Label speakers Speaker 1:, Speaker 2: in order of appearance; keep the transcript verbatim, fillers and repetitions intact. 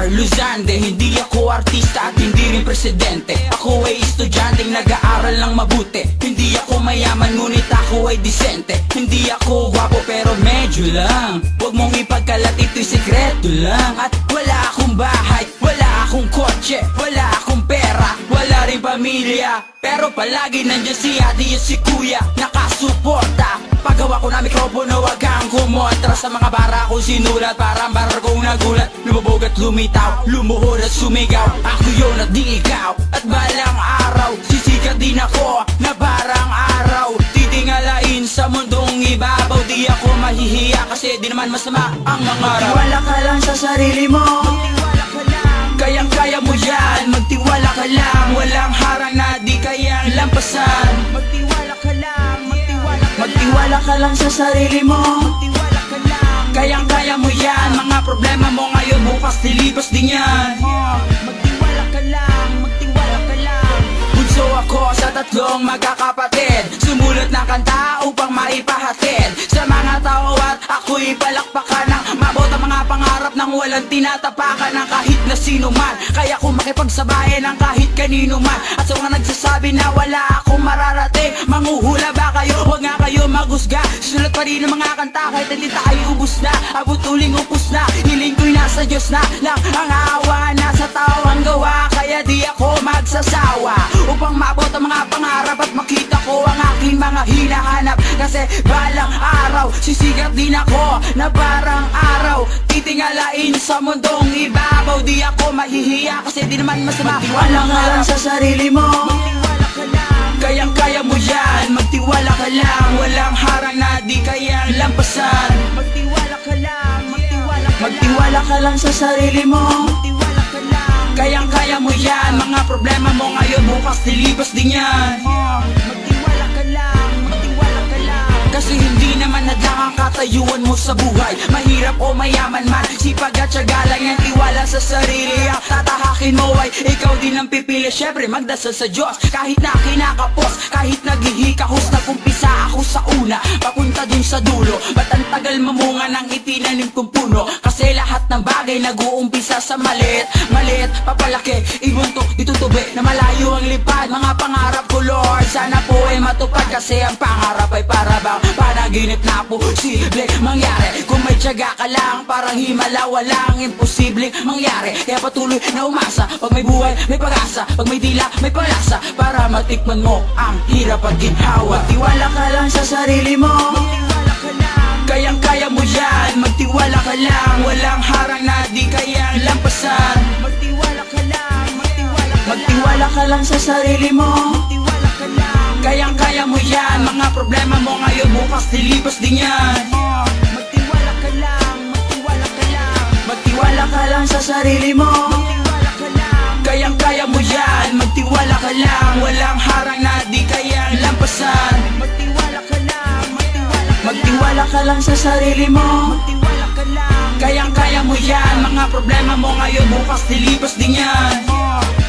Speaker 1: Carlos Zande. Hindi ako artista at hindi rin presidente. Ako ay estudyanteng nag-aaral lang mabuti. Hindi ako mayaman ngunit ako ay disente. Hindi ako gwapo pero medyo lang. Huwag mong ipagkalat, ito'y sekreto lang. At wala akong bahay, wala akong kotse, wala akong pera, wala rin pamilya. Pero palagi nandiyan si ate at si kuya nakasuporta. Paggawa ko na mikropono, wag kang kumontra. Sa mga bara ko sinulat, parang barar kong nagulat. Lumabog at lumitaw, lumuhod at sumigaw. Ako yun at di ikaw. At balang araw, sisikat din ako na barang araw. Titingalain sa mundong ibabaw. Di ako mahihiya kasi di naman masama ang mangarap.
Speaker 2: Magtiwala ka lang sa sarili mo,
Speaker 1: Magtiwala ka lang, kayang-kaya mo yan. Magtiwala ka lang, walang harang na di kayang lampasan. Magtiwala ka lang, magtiwala ka lang,
Speaker 2: magtiwala ka lang sa sarili mo.
Speaker 1: magtiwala ka lang, kayang-kaya mo yan. Mga problema mo ngayon, bukas nilipas din yan. Magtiwala ka lang, magtiwala ka lang. Bunso ako sa tatlong magkakapatid, sumulat ng kanta upang maipahatid sa mga tao at ako'y palakpakan ng mabot ang mga pangarap nang walang tinatapakan ng kahit na sino man. Kaya kung makipagsabayan ng kahit kanino man. At sa mga nagsasabi na wala akong mararating, manghuhula ba kayo? Huwag nga kayo maghusga. Sulat pa rin ang mga kanta kahit hindi tayo ubus na. Abot uling upos na, hiling ko'y nasa Diyos na lang. Ang awa nasa tao ang gawa, kaya di ako magsasawa upang maabot ang mga pangarap at makita ko ang aking mga hinahanap. Kasi balang araw, sisigat din ako na parang araw. Titingalain sa mundong ibabaw. Di ako mahihiya kasi di naman masama.
Speaker 2: Magtiwala ka lang sa sarili mo,
Speaker 1: Magtiwala ka lang, kayang-kaya mo yan. Magtiwala ka lang, walang harang na di kayang lampasan. Magtiwala ka lang, magtiwala ka lang,
Speaker 2: magtiwala ka lang sa sarili mo.
Speaker 1: magtiwala ka lang, kayang-kaya mo yan. Mga problema mo ngayon, bukas nilipas din yan. Magtiwala ka lang, magtiwala ka lang, kasi hindi naman hadlang ang katayuan mo sa buhay. Mahirap o mayaman man, sipag at syaga lang yan. Tiwala sa sarili, ang tatahakin mo ay ikaw din ang pipili. Syempre magdasal sa Diyos, kahit na kinakapos, kahit naghihikahos. Nag-umpisa ako sa una, papunta dun sa dulo. Ba't ang tagal mamunga ng itinanim kong puno? Kasi lahat ng bagay nag-uumpisa sa maliit. Maliit, papalaki, ibuntok, itutubi na malayo ang lipad. Mga pangarap ko Lord, sana po ay matupad. Kasi ang pangarap ay para bang panaginip na posible mangyari. Kung may tiyaga ka lang, parang himala, walang imposibleng mangyari. Kaya patuloy na umasa, pag may buhay, may pag-asa. Pag may dila, may palasa, para matikman mo ang hirap at ginhawa.
Speaker 2: Magtiwala ka lang sa sarili mo,
Speaker 1: Magtiwala ka lang, kayang-kaya mo yan. Magtiwala ka lang, walang harang na di kayang lampasan. Magtiwala ka lang, magtiwala ka lang,
Speaker 2: magtiwala ka lang sa sarili mo.
Speaker 1: magtiwala ka lang, kayang-kaya mo yan. Mga problema mo ngayon, bukas nilipas din yan. Magtiwala ka lang, magtiwala ka lang,
Speaker 2: Magtiwala ka lang sa sarili mo.
Speaker 1: magtiwala ka lang, kayang-kaya mo yan. Magtiwala ka lang, walang harang na di kayang lampasan. Magtiwala ka lang, magtiwala ka lang,
Speaker 2: Magtiwala ka lang sa sarili mo.
Speaker 1: magtiwala ka lang, kayang-kaya mo yan. Mga problema mo ngayon, bukas nilipas din yan.